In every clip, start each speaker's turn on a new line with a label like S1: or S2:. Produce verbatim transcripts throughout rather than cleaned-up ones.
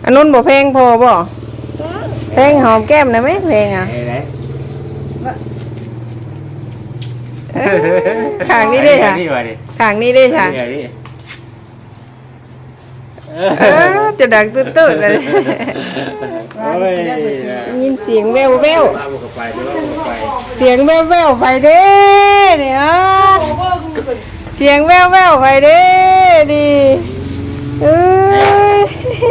S1: อันนู้นบ่เพลงพอบ่เพลงหอมแก้มได้ไหมเพลงอ่ะข้างนี้ได้ค่ะข้างนี้ได้ค่ะจะดังตื้นๆเลยยินเสียงแววแววเสียงแววแววไปเด้เนี่ยเสียงแววแววไปเด้ดีเอ้ย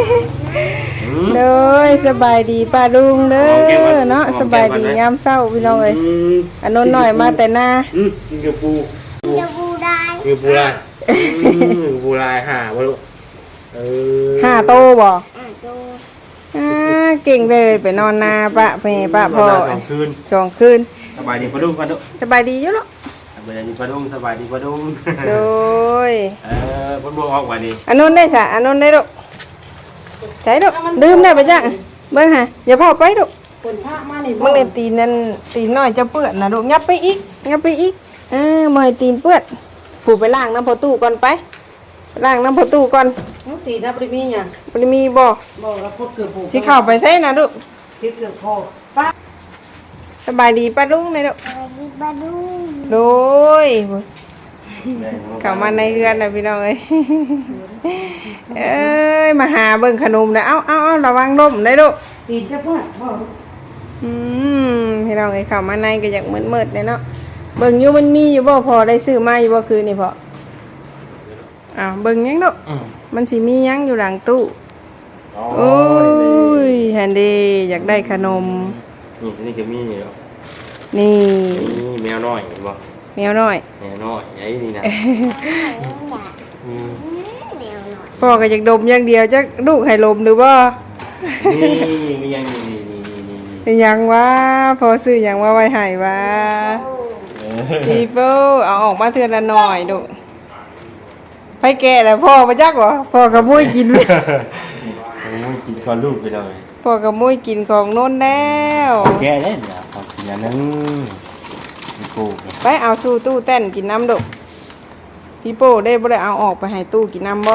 S1: เลยสบายดีป้าลุงเด้อเนาะสบายดียามเช้าพี่น้องเอ้ยอันนู้นหน่อยมาแต่หน้า
S2: กินกับปูกินกับปูได้กินปูได้ปูได้ห่าบ่ลูก
S1: ห้าโตบ่อ่าเก่งเลยไปนอนนาปะแม่ปะพ่อสองคืนสองคืน
S2: สบายดีปะดุ้งปะดุ้ง
S1: สบายดีอยู่เนาะ
S2: สบายดีปะดุ้งสบายดีปะดุ้ง
S1: โดย
S2: เออพ่นบัวออกวันนี้
S1: อันนู้นได้ค่ะอันนู้นได้ลูกใช่ลูกดื่มได้ปะจ๊ะเบิ่งฮะอย่าพาไปลูกมึงในตีนนั่นตีนน้อยจะเปื้อนนะลูกงับไปอีกงับไปอีกอ่าบ่ให้ตีนเปื้อนผูกไปล้างน้ำพอตู้ก่อนไปล้างน้ำพอตู้ก่อน
S3: ตีนะปริมีเนี่ย
S1: ปริมีบ่
S3: บ่แล้วพดเกือบผูก
S1: สิเข้าไปใส่นะลูก
S3: สิเกือบพอป้า
S1: สบายดีป้าลุงเลยลูก
S2: สบายดีป้าลุง
S1: โดยเข้ามาในเรือนนะพี่น้องเอ้ยเอ้ยมาหาเบิ่งขนมนะเอ้าเอ้าระวังล้มได้ลูก
S3: ตีนจะพ่อพ่อ
S1: อืมพี่น้องเอ้ยเข้ามาในก็อยากมืดๆเลยเนาะเบิ่งอยู่มันมีอยู่บ่พอได้ซื้อมาอยู่บ่คืนนี่พออ้าวเบิ่งยังลูกมันสิมียังอยู่หลังตู้โอ้ยแฮนดี้อยากได้ขนม
S2: นี่นี่ก็มีอยู่
S1: นี่
S2: นี่แมวน้อยเห็นบ่
S1: แมวน้อย
S2: แมวน้อยไอ้นี่นะ
S1: พ่อก็อยากดมอย่างเดียวจักลูกให้ลมหรือบ่
S2: นี่มียังนี่นี่นี่
S1: นี่ยังวะพอซื้อยังว่าไว้ให้วะพี่โฟเอาออกมาเทื่อละหน่อยลูกไปแก่แล้วพ่อมาจักวะพ่อกับมุ้ยกิน
S2: มุ้ยกินก่อนลูกไปเลย
S1: พ่อกับมุ้ยกินของโน้นแล้ว
S2: แก่ได้เนี่ยของกินอย่างนึงกู
S1: ไปเอาสู้ตู้เต้นกินน้ำดุพี่โป้ได้บ่ได้เอาออกไปให้ตู้กินน้ำบ่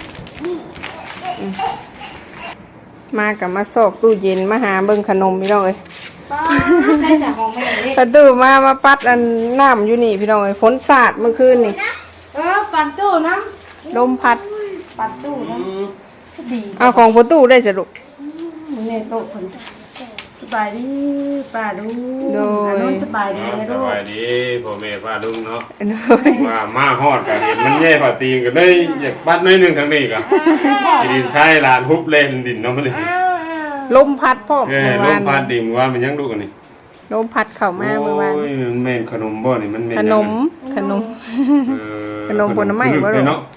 S1: มากับมาซอกตู้เย็นมาหาเบิ่งขนมพี่น้องเอ้ย
S3: ใช่จากของแม่เลย
S1: ประตูมามาปัดอันน้ำอยู่นี่พี่น้องเอ้ยฝนสาดเมื่อคืนนี่
S3: เออปั่นตู้น้
S1: ำลมพัด
S3: ปั่นตู้น้ำดี
S1: เอาของประตูได้สรุป
S3: เนี่ยโต๊ะคนสบายดีป้าลุงอันนู้นสบายดีนะลูก
S2: สบายดีพ่อแม่ป้าลุงเนาะว่ามาฮอดกันมันแย่กว่าตีกันได้อยากปัดน้อยนึงทางนี้ก็ดินใช้ลานฮุบเล่นดินเนาะมัน
S1: ลมพัดพ่อ
S2: เออลมพัดดิมว่ามันยังดูกันนี่
S1: ลมพัดเข้ามาเมื่อวาน
S2: โอ้ยมันแม่นขนมบ่นี่มันแม่น
S1: ขนมขนมขนมผลไม้บ่ลูก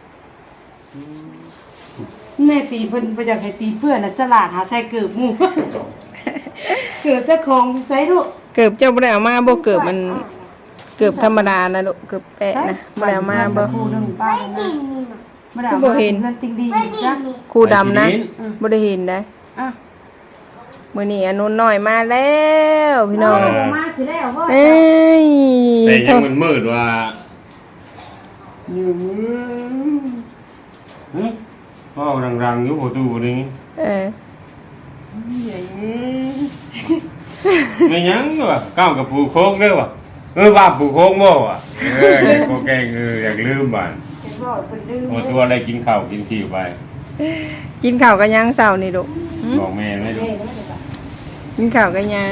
S3: แม่ตีเพิ่นบ่อยากให้ตีเพื่อนน่ะสลัดหาใส่เกือบหมู่เกือบเจ้าของใส่ลูก
S1: เกือบเจ้าบ่ได้เอามาบ่เกือบมันเกือบธรรมดานะลูกเกือบแปะนะบ่ได้เอามาบ่
S3: คู่นึงป้านะ
S1: บ่ได้บ่เห็น
S3: นั่นติงดีจ้ะ
S1: คู่ดำนะบ่ได้เห็นได้อ่ะมื้อนี้อนุนน้อยมาแล้วพี่น้อง
S3: มาสิแล้วบ่
S1: เอ้ย
S2: แต่ยังมันมืดว่าอยู่หึพ่อรังๆอยู่ประตูนี่
S1: เออ
S2: ไม่ยังว่ะก้าวกับปูโค้งเด้อว่ะเออว่าปูโค้งบ่ว่ะเออโคแกงเอออยากลืมบ้านโอ้ตัวอะไรกินข้าวกินที่ไป
S1: กินข้าวกันยังเช้านี่ลูก
S2: บอกแม่ไม่ดู
S1: กินข้าวกันยัง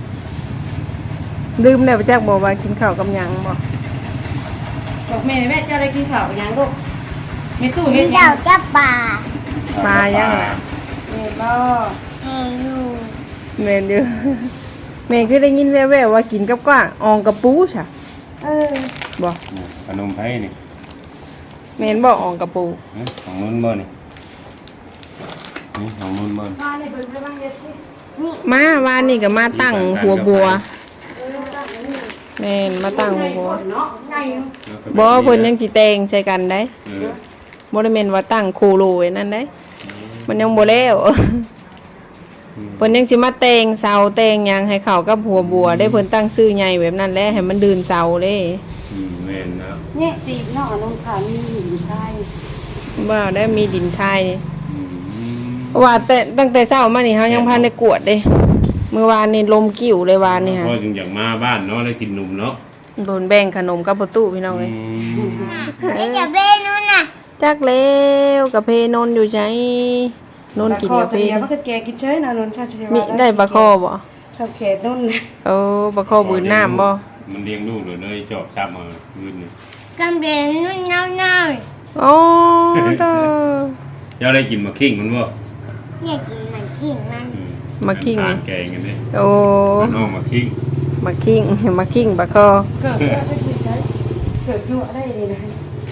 S1: ลืมแล้วจักบอกว่ากินข้าวกับยังบ่
S3: บอกแม่แม่เจ้าได้กินข้าวกับยังลูกแม่ตู้เฮ็ด
S2: ยั
S3: ง
S2: กับปลา
S1: ปลายัง
S3: แม่บ่
S2: แม่อยู่
S1: แม่อยู่แม่คือได้ยินแว่วๆว่ากินกับกว้างอองกับปูใช่
S3: เออ
S1: บ่
S2: ขนมไผ่นี่
S1: แม่นบ่อองกับปู
S2: ของนุ่นบ่นี่นี่ของนุ่นบ่
S3: มานี่เพิ่นไปบ้างเฮ็ดสิ
S1: มาวานนี่ก็มาตั้งหัวบัวแม่นมาตั้งหัวบัวบ่เพิ่นยังสิแต่งใส่กันได้บ่ได้แม่นว่าตั้งโคโลไว้นั่นได้มันยังบ่แล้วเพิ่นยังสิมาแต่งเสาแต่งหยังให้เข้ากับหัวบัวได้เพิ่นตั้งชื่อใหญ่แบบนั้นแหละให้มันดืนเสาเด้
S2: อืมแม่นนะ
S3: เนี่ยตีเนาะน้องค่ะมีหินทราย
S1: บ่ได้มีดินชาย
S2: อืม
S1: เพราะว่าแต่ตั้งแต่เช้ามานี่เฮายังพันได้กวดเด้เมื่อวานนี่ลมกิ้วเลยวานนี่ฮะ
S2: พอจึงอยากมาบ้านเนาะได้กินนมเนาะ
S1: โดนแบ่งขนมกับประตูพี่น้องเอ้ย
S4: นี่จะเบนู่นน่ะ
S1: จักแล้วกับเพนนอยู่ใจนนกินกับเพ
S3: เดี๋ยวมันก็แกกินเฉยนะนนชาติเชวา
S1: มีได้ปลาคอบ่
S3: ชอบแขกนุ่นนะ
S1: โอ้ปลาคอบืนน้ำบ่
S2: มันเลี้ยงลูกเลยเลยจอบซ้ำมาคืนนี่
S4: กำเรียนนู่นเน่าเน่า
S1: โอ้เด้อ
S2: เจ้าได้กินมาคิงมันบ่
S4: เนี่ยกินมันกินมัน
S2: อื
S1: มาคิง
S2: ทา
S1: นี่
S2: นแกงกันเด้
S1: โอ้
S2: น้องมาคิง
S1: มาคิงมาคิงปลาคอ
S3: เกิดได้กินได้เกิดยั่วได้เลยนะ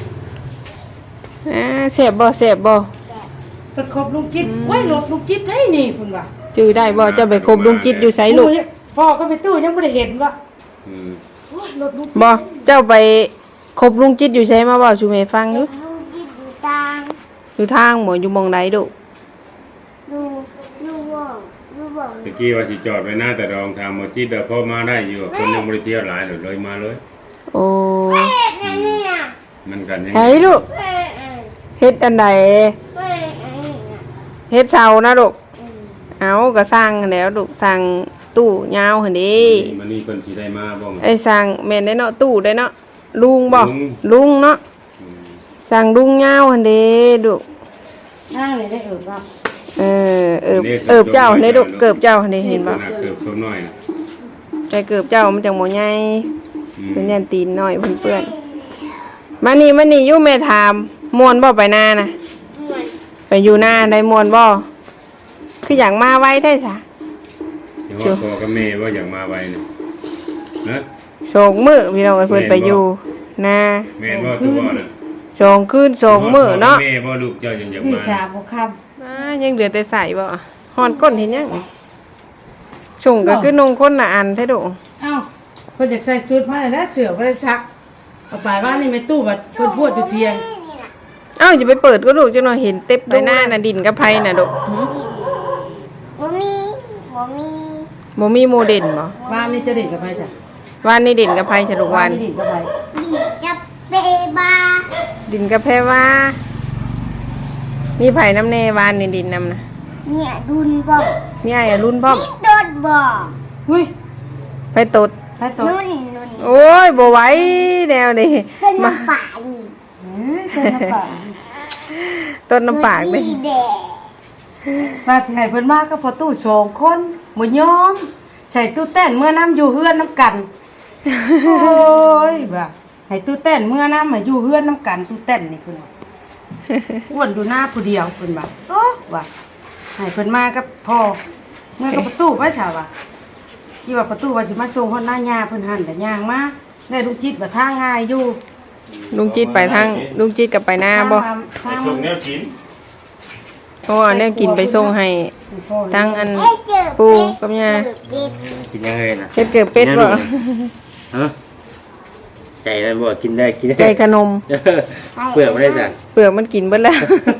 S1: อ่าแซ่บบ่แซ่บบ่
S3: เปิดครบลุงจิตไว้หลดลุงจิตได้นี่คุณว่า
S1: จื้อได้บ่เจ้าไปคบลุงจิตอยู่ไสลูก
S3: พ่อก็ไปตู้ยังไม่ได้เห็นว่า
S2: อืม
S3: โอ้ยหลดลุง
S1: บ่เจ้าไปคบลุงจิตอยู่ไสมาบ่ชูแม่ฟังอยู่
S4: ลูกกินดูตาง
S1: อยู่ทางบ่อยู่หม่องใดดุ
S4: ดูดูว่องดูว่อง
S2: ตะกี้ว่าสิจอดไว้หน้าแต่รองทางหมดจิตเด้อพ่อมาได้อยู่คนยังบ่ได้เที่ยวหลายเลยเลยมาเลย
S1: โอ้
S4: เฮ้ยนั่นนี่อ่ะ
S2: มันกันยัง
S1: ไผลูก
S4: เฮ้ยเอ้ย
S1: เฮ็ดอันใด
S4: เฮ้ยไอ้นี่อ่ะ
S1: เฮ็ดเสานะลูก
S4: อืม
S1: เอาก็สร้างแล้วลูกทางตู้ยาวหั่นเด้
S2: มันนี่เพิ่นสิได้มาบ่
S1: ไอ้สร้างแม่นได้เนาะตู้ได้เนาะลุงบ่
S2: ลุง
S1: ลุงเนาะ
S2: อืม
S1: สร้างลุงยาวหั่นเด้ลูก
S3: นั่งเลยได้เอิบว่า
S1: เออเอิบเอิบเจ้าหั่นเด้ลูกเกิบเจ้าหั่นเด้เห็นบ่
S2: ขนาดเกือบเพิ่มน้อยนะ
S1: ใจเกิบเจ้ามันจังบ่ใหญ่
S2: อืม
S1: เป็นยันตีนน้อยเพิ่นเปื้อนมานี่มานี่อยู่แม่ถามม่วนบ่ไปนาน่ะ
S4: เหมือน
S1: ไปอยู่หน้าได้ม่วนบ่คืออยากมาไว้ได้ซะ
S2: เดี๋ยวว่าพ่อกับแม่ว่าอยากมาไว้นะนะ
S1: สองมื้อพี่น้องเอ้ยเพิ่นไปอยู่นา
S2: แม่นบ่คือบ่น่ะ
S1: สองคืนสองมื้อเนาะ
S2: แม่บ่ลูกเจ้ายังอยาก
S3: พี่
S2: มา
S3: สาวบุค
S1: อ่ายังเหลือแต่ใส่บ่ฮอนก้นเห็นยังส่งก็คือนงคนละอันแท้โด
S3: ำเอ้าเพิ่นอยากใส่ชุดมาแล้วเสือบ่ได้ซักเอาไปว่านี่ไม่ตู้บัดเพิ่นพูดอยู่เทียง
S4: นี่น่ะ
S1: เอ้าอย่าไปเปิดก็ลูกจังหน่อยเห็นเต็บใบหน้าน่ะดินกับไผน่ะโด
S4: บ่มีบ่มี
S1: บ่มีโมเดลบ่
S3: บ้านนี่จะเด็ดกับไผจ้ะ
S1: วานนี่ดินกับไผฉลุกวาน
S3: นี่เด็ดกับไผ
S4: ดิจับเปบา
S1: ดินกับแพรว่า มีไผน้ำแน่วานนี่ดินนำนะ
S4: เนี่ยดุนบ่
S1: มีอ้ายอะรุ่นพร้อม
S4: นี่โดดบ่
S3: อุ้ย
S1: ไปตด
S3: ไผตัว
S4: นุ่นนุ่น
S1: โอ้ยบ่ไหวแนวนี้
S4: เต้นน้ำป่าดิ
S3: เฮ้ยเจ้าน้ำป่า
S1: ต้นน้ำปากเลย
S4: ดีแดง
S3: ว่าสิให้เพิ่นมาก็พอตู้สองคนบ่ยอมใส่ตู้เต้นเมื่อน้ำอยู่เฮือนน้ำกันโอ้ยบ่าให้ตู้เต้นเมื่อน้ำมาอยู่เฮือนน้ำกันตู้เต้นนี่เพิ่นว่าอ้วนดูหน้าผู้เดียวเพิ่นว่าโอ้ว่าให้เพิ่นมากับพ่อเมื่อกับประตูไว้ชาวว่าที่ว่าประตูว่าสิมาส่งฮอดหน้าย่าเพิ่นหันแต่ย่างมาได้ลูกจิตว่าทางง่ายอยู่
S1: ลุงจิตไปทางลุงจิตกับไปหน้าบ่
S3: ทาง
S2: ไป
S3: ทาง
S2: ส่งแนวกิน
S1: โอ้อันนี้กินไปส่งให้ทั้งอัน
S4: เอ้ยเจอ
S1: ปูกับยา
S4: เจอเป็ด
S5: กินยังไงนะ
S1: เฮ็ดเกิดเป็ดบ่
S5: ฮะใจมันบ่กินได้กินได้
S1: ใจขนม
S5: เออเปลือกไม่ได้สั่ง
S1: เปลือกมันกินเบิดแล้ว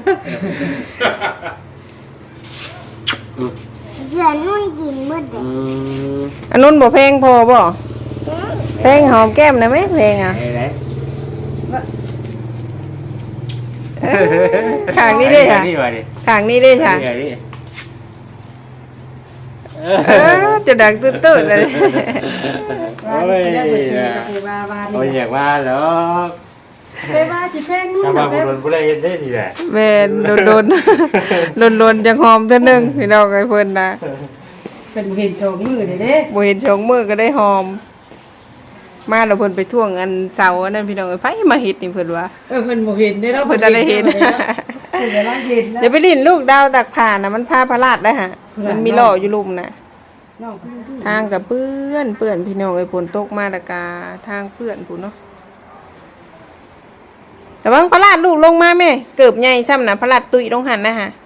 S4: เดือนนุ่นกินมืดเลย
S5: อืม
S1: อันนู้นบ่แพงพอบ่แพงหอมแก้มนะไหมแพงอ่ะ
S5: ไอ้ไหน
S1: เอ้ยข้างนี้เด้ค่ะ
S5: นี่ว่าดิ
S1: ข้างนี้เด้ค่ะ
S5: นี่ดิ
S1: เออจะดังตื้นๆเลย
S3: ว่า
S5: โอ้ย
S3: สิได้เบิดนี้ก็สิว่าว่า
S5: โอ้ย
S3: นี่
S5: อยากว่าหรอก
S3: ไปว่าสิแพงนู่น
S5: ถ้า
S3: น่ะ
S5: ว่า
S3: เด้
S5: บุ
S3: อ
S5: รุษผู้ใดเห็นได้ทีแหละ
S1: แม่นโดนๆโดนๆจังหอมเท่านึงพี่น้องไอ้เพิ่นน่ะ
S3: เพิ่นบ่เห็นโชว์มือเด้เด้
S1: บ่เห็นชงมือก็ได้หอม มาแล้วเพิ่นไปท่วงอันเสาอันนั้นพี่น้องเอ้ยไผมาเฮ็ดนี่เพิ่นว่า
S3: เออเพิ่นบ่เห็นได้แล้ว
S1: เพิ่นจะได้เห็น
S3: เพิ่นจะได้เห็นนะ
S1: เดี๋ยวไปลิ้นลูกดาวตักผ่านน่ะมันพาพระราชได้ฮะมันมีหล่ออยู่ลุ่มน่ะ
S3: น้องเพิ่นดู
S1: ทางกับเปื้อนเปื้อนพี่น้องไอ้ฝนตกมาตะกาทางเปื้อนผู้เนาะแต่ว่าพระราชลูกลงมาแม่เกิบใหญ่ซ้ำนะพระราชตุยลงหันนะฮะ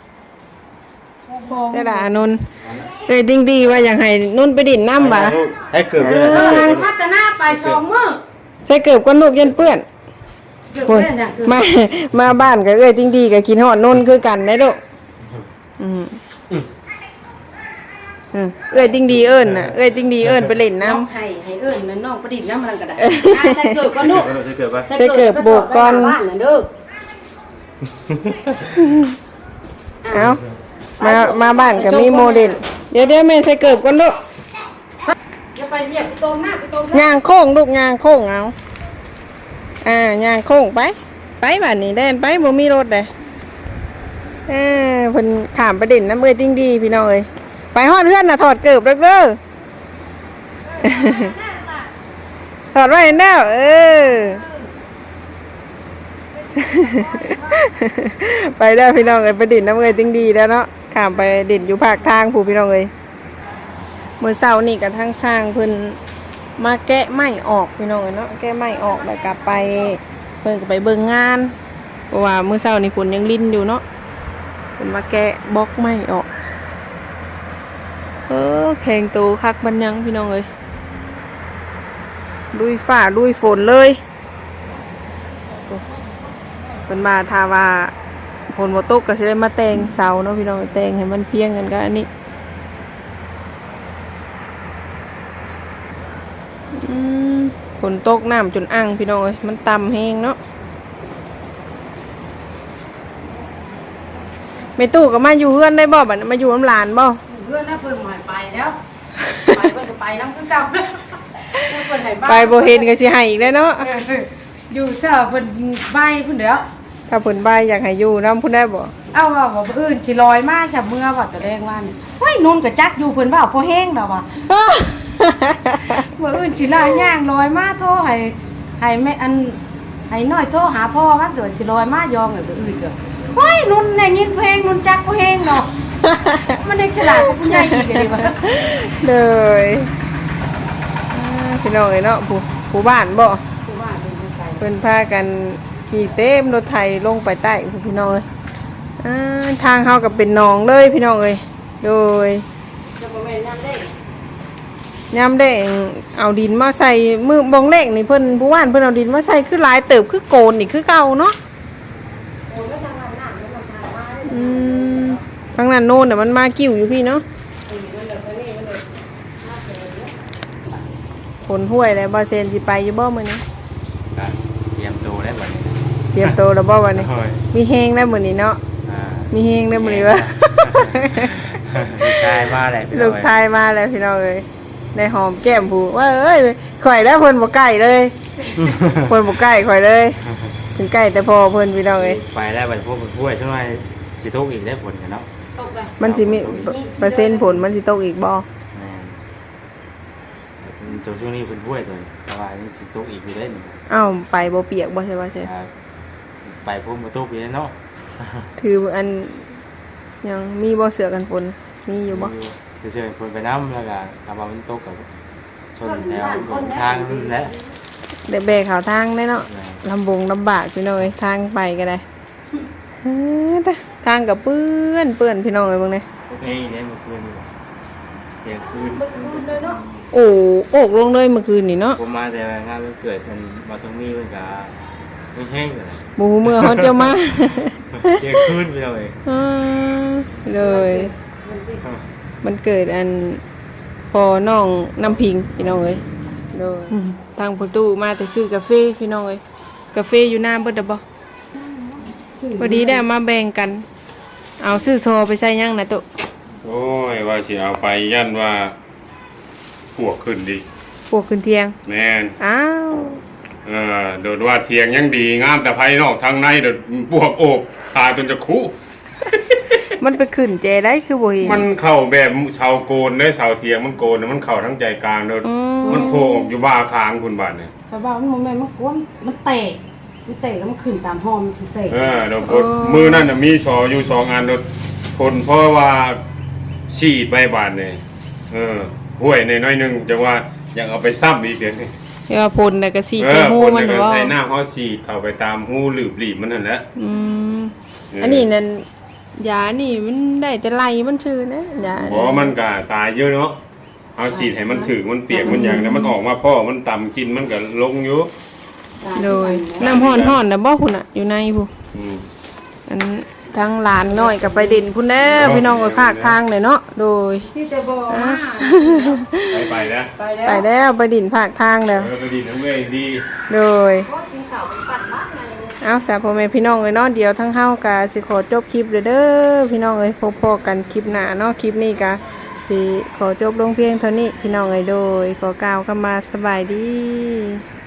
S1: ได้ละอานนท์เอ้ยดิ้งดีว่าอย่างไห้นุ่นไปดินน้ำบ่ะ
S5: ให้เกิด
S3: เอ
S5: เลย
S3: อพัฒนาไปสองมื้อ
S1: ใส่เกิบก้นลูกยันเปื้อน
S3: เกือบ
S1: โอ้ย
S3: แม่นน่ะเกือบ
S1: มามาบ้านกับเอ้ยดิ้งดีกับกินหอดนุ่นคือกันได้ลูกอืมอืมเอ้ยดิ้งดีเอิญน่ะเอ้ยดิ้งดีเอิญไปเล่นน้
S3: น้องให้ให้เอิ้นนั่นน้องประดิษฐ์น้ำมันก็ได้อ่ะใส่เกือบก่อนลูก
S5: ให้เกิดป่ะ
S1: ใส่เกิบโบกก่อน
S3: บ้านน่ะเด้อ
S1: ำเอามามาบ้านก็มีโมเดลเดี๋ยวเดี๋ยวแม่ใส่เกิบก่อนลูก
S3: จะไปเหยียบไปตรงหน้าไปตรง
S1: ย่างโค้งลูกย่างโค้งเอาอ่าย่างโค้งไปไปบ้านนี้แดนไปบ่มีรถเลยเออเพิ่นขามประเด็นน้ำเอ้ยจริงดีพี่น้องเอ้ยไปฮอดเพื่อนน่ะถอดเกิบเด้อเด้อ ถอดไว้แล้วเออ ไปได้พี่น้องเอ้ยไปดินน้ำเอ้ยจริงดีแล้วเนาะขามไปดินอยู่ภาคทางผู้พี่น้องเอ้ยเมื่อเช้านี่กับทางสร้างเพิ่นมาแกะไม้ออกพี่น้องเอ้ยเนาะแกะไม้ออกแล้วกลับไปเพิ่นก็ไปเบิ่งงานเพราะว่าเมื่อเช้านี่ฝนยังลิ้นอยู่เนาะเพิ่นมาแกะบล็อกไม้ออกเออแข่งโตคักบันยังพี่น้องเอ้ยลุยฝ่าลุยฝนเลยเพิ่นมาทาว่าฝนบ่ตกก็สิได้มาแต่งเสาเนาะพี่น้องแต่งให้มันเพียงกันกับอันนี้อืมฝนตกน้ำจนอ่างพี่น้องเอ้ยมันต่ำแฮงเนาะแม่ตู้ก็มาอยู่เฮือนได้บ่บัดนี้มาอยู่น้ำหลานบ่
S3: เพื่อนน่ะเพิ่นหายไปแล้วไปเพิ่นก็ไปน้ำคือเก่าเพิ่นให้บ้าน
S1: ไปบ่เห็นก็สิให้อีกแล้วเนาะ
S3: อยู่เถอะเพิ่นใบเพิ่นเด้อ
S1: ถ้าเพิ่นบายอยากให้อยู่นำพุ่นได้บ่
S3: เอาว่าบ่อื่นสิลอยมาฉับเมื่อว่าตะแรงว่านี่เฮ้ยนุ่นก็จักอยู่เพิ่นว่าพอแห้งแล้วว่ะบ่อื่นสิลาย่างลอยมาโทรให้ให้แม่อันให้น้อยโทรหาพ่อว่าเดี๋ยวสิลอยมายองให้บ่อื่นก็เฮ้ยนุ่นได้ยินเพลงนุ่นจักพอแห้งเนาะมันเด็กฉลาดกว่าผู้ใหญ่อีกเลยว่ะ
S1: เลยอ่าพี่น้องเอ้ยเนาะผู้ผู้บ้านบ่
S3: ผู้ว่าเป็นผู้ไกล
S1: เพิ่นพากันขี่เต็มรถไถลงไปใต้ผู้พี่น้องเอ้ยอ่าทางเฮาก็เป็นหนองเลยพี่น้องเอ้ยโดย
S3: จะบ่แม่นยามได้
S1: ยามได้เอาดินมาใส่มือบงเลขนี่เพิ่นผู้ว่านเพิ่นเอาดินมาใส่คือหลายเติบคือโกนนี่คือเก่าเนาะ
S3: โอ้ยทางนั้นน่ะมันทางมาได้
S1: อืมทางนั้นโน่นน่ะมันมากิ้วอยู่พี่เนาะ
S3: มันเดี๋ยวนี้มันเดี๋ยวมาเสร็จแล้ว
S1: ผลห้วยแล้วบ่เซนสิไปอยู่บ่มื้อนี้
S5: ก็เตรียมตัวได้บัดนี้
S1: เตรียมโตวแล้วบ่วันนี้
S5: โอ้ย
S1: มีแฮงแล้วมื้อนี้เนาะ
S5: อ่า
S1: มีแฮงแล้วมื้อนี้วะ
S5: ลูกชายมาแล้วพี่น้
S1: ลู
S5: อง
S1: กชายมาแล้วพี่น้องเอ้ยได้หอมแก้มผู้ว่าเอ้ยข่อยแล้วเพิ่นบ่ใกล้เลยเพิ่นบ่ใกล้ข่อยเลยเพิ่นใกล้แต่พอเพิ่นพี่น้องเอ้ย
S5: ไปแล้วบัดพวกผู้ช่วยช่วยสิทุกอีกได้ผลกันเนาะ
S3: ตกเลย
S1: มันสิมีเปอร์เซ็นต์ผลมันสิตกอีกบ่
S5: แม่นโจช่วงนี้เพิ่นช่วยตัวแต่ว่านี่สิทุกอีกอยู่ได้นี่
S1: อ้าวไปบ่เปียกบ่ใช่ว่าใช่
S5: ครับไปพวกมาทุกอีกเนาะ
S1: ถืออันยังมีบ่เสือกันฝนมีอยู่บ่
S5: คือเชื่อเพิ่นไปน้ำแล้วก็กลับมามันตกกับชนแถวทางนั่นแหละ
S1: ได้แบกเขาทางได้เนาะลำบงลำบากพี่น้องเอ้ยทางไปก็ได้เฮ้อแต่ทางก็เปื้อนเปื้อนพี่น้องเอ้ยเบิ่งนี่
S5: เฮ้ยเนี่ยเมื่อคืนนี่เที่ยงคืน
S3: มันคืนเลยเนาะ
S1: โอ้โอกลงเลยเมื่อคืนนี่เนาะ
S5: ผมมาแต่งานวันเกิดทันมาตรงนี้มันก็ไม่แห้งเลย
S1: บ่ฮู้มื้อเฮาจะมา
S5: เที่ยงคืนไปเลย
S1: อ่าเลยมันเกิดอันพอน้องน้ำพิงพี่น้องเอ้ยเลยทางประตูมาแต่ซื้อกาแฟพี่น้องเอ้ยกาแฟอยู่หน้าเบิดดอกบ่พอดีได้มาแบ่งกัน เอาซื้อโซไปใส่ยังนะตุ
S2: โอ้ยว่าสิเอาไปยันว่าพวกขึ้นดี
S1: พวกขึ้นเทียง
S2: แม่น
S1: อ้าว
S2: เออโดดว่าเทียงยังดีงามแต่ภายนอกทางในโดดพวกโอบตายจนจะคุ
S1: มันไปขึ้นเจได้คือบ่เห็น
S2: มันเข้าแบบเสาโกนได้เสาเทียงมันโกนน่ะมันเข้าทั้งใจกลางโดด
S1: อืม
S2: มันโผล่ออกอยู่บ้าคางคุณบาดเนี่ย
S3: แต่ว่ามันแม่นมันกวนมันเตะมันเตะแล้วมันขึ้นตามห้องมันเตะ
S2: เออโดดพดมือนั่นน่ะมีชออยู่สองอันโดดผลเพราะว่าฉีดใบบาดเนี่ยเออห้วยในน้อยหนึงจังว่าอยากเอาไปซ้ำอีกเดี๋ยวนี้
S1: เดี๋ยวพลน่ะก็สิ
S2: เอ
S1: เจ
S2: อ
S1: ฮู้
S2: คน
S1: มัน
S2: จะ
S1: บ่
S2: ใส่หน้าเขาฉีดเข้าไปตามหูหลืบหลีบมันนั่นแหละ
S1: อืม
S2: เอออั
S1: อันนี้นั่นยานี่มันได้แต่ไล่มันชื่อนะยา
S2: เพราะว่ามันก็ตายเยอะเนาะเอาฉีดให้มันถึงมันเปียกมันอย่างนั้นมันออกมาพ่อมันต่ำกินมันก็ลงอยู่
S1: โดยน้ำร้อนๆน่ะบ่พุ่นน่ะอยู่ในพุ่น
S2: อืม
S1: อันทั้งหลานน้อยกับไปเด่นพุ่นแน่พี่น้องไปภาคทางเลยเนาะโดย
S3: ที่จะบอกว่า
S2: ไปไปนะ
S3: ไปแล้ว
S1: ไปแล้วไปดินภาคทางแล้ว
S2: เออไปดีนะเว้ยดี
S1: โดย
S3: ก็กินข้าวไปปั่นบ้านไง
S1: เอาสาพ่อแม่พี่น้องเอ้ยเนาะเดี๋ยวทั้งเฮาก็สิขอจบคลิปเด้อเด้อพี่น้องเอ้ยพบพอกันคลิปหน้าเนาะคลิปนี้ก็สิขอจบลงเพียงเท่านี้พี่น้องเอ้ยโดยขอกล่าวคำว่าสบายดี